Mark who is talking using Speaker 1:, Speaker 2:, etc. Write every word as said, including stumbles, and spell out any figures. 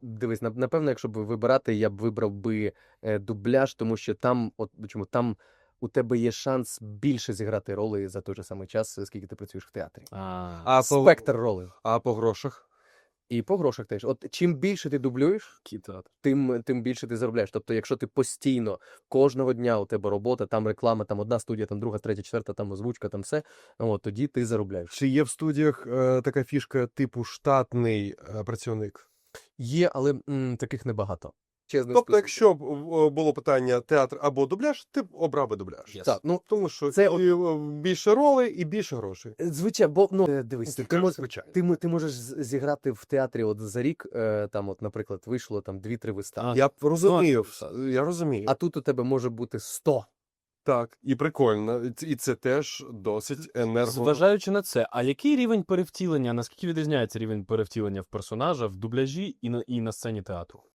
Speaker 1: Дивись, нап напевно, якщо б вибирати, я б вибрав би, е, дубляж, тому що там, от чому, там у тебе є шанс більше зіграти ролей за той же самий час, скільки ти працюєш в театрі.
Speaker 2: А.
Speaker 3: А по
Speaker 1: Спектр ролей.
Speaker 3: а по грошах?
Speaker 1: І по грошах теж. От чим більше ти дублюєш,
Speaker 2: Кітеатр.
Speaker 1: тим тим більше ти заробляєш. Тобто, якщо ти постійно, кожного дня у тебе робота, там реклама, там одна студія, там друга, третя, четверта, там озвучка, там все, от тоді ти заробляєш.
Speaker 3: Чи є в студіях е, така фішка типу штатний е, працівник?
Speaker 1: Є, але м, таких небагато. Чесно
Speaker 3: Тобто,
Speaker 1: скажу.
Speaker 3: якщо б е, було питання театр або дубляж, ти б обрав би дубляж.
Speaker 2: Yes.
Speaker 1: Так, ну,
Speaker 3: Тому що
Speaker 1: Це
Speaker 3: і,
Speaker 1: от-
Speaker 3: е, більше ролей і більше грошей.
Speaker 1: звичайно, бо, ну, е, дивись, ти, мож,
Speaker 3: Звичайно.
Speaker 1: ти, мо- ти можеш з- зіграти в театрі от за рік, е, там, от, наприклад, вийшло там дві-три вистави.
Speaker 2: А,
Speaker 3: Я б розумію,
Speaker 2: так.
Speaker 3: вс- я розумію.
Speaker 1: А тут у тебе може бути сто.
Speaker 3: Так, і прикольно. І ц- І це теж досить енерго.
Speaker 2: Зважаючи на це, а який рівень перевтілення, наскільки відрізняється рівень перевтілення в персонажа в дубляжі і на, і на сцені театру?